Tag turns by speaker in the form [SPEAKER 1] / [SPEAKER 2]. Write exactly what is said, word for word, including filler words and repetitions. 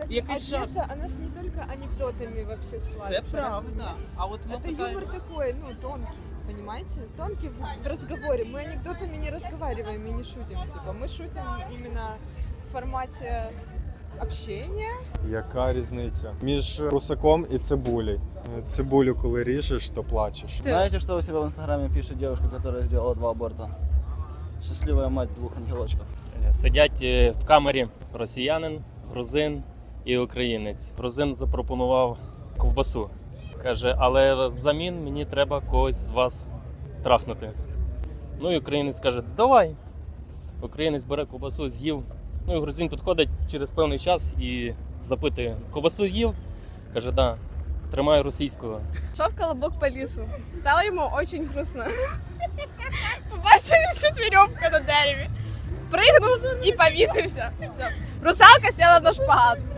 [SPEAKER 1] якийсь жарт.
[SPEAKER 2] Одесса, она же не только анекдотами вообще
[SPEAKER 1] Це
[SPEAKER 2] славится.
[SPEAKER 1] правда. А от ми
[SPEAKER 2] Это
[SPEAKER 1] питаємо...
[SPEAKER 2] юмор такой, ну, тонкий, понимаете? Тонкий в, в разговоре. Мы анекдотами не разговариваем и не шутим. Типа, мы шутим именно в формате общения.
[SPEAKER 3] Яка різниця між русаком і цибулею? Цибулю, коли ріжеш, то плачеш.
[SPEAKER 4] Знаете, что у себя в Инстаграме пишет девушка, которая сделала два аборта? Счастливая мать двух ангелочков.
[SPEAKER 5] Сидять е, в камері росіянин, грузин і українець. Грузин запропонував ковбасу. Каже, але взамін мені треба когось з вас трахнути. Ну і українець каже, давай. Українець бере ковбасу, з'їв. Ну і грузин підходить через певний час і запитує, ковбасу їв? Каже, да. Тримаю російського.
[SPEAKER 6] Шел колобок по лесу. Стало ему очень грустно. Побачив висить веревка на дереві. Пригнув і повісився. Все. Русалка села на шпагат.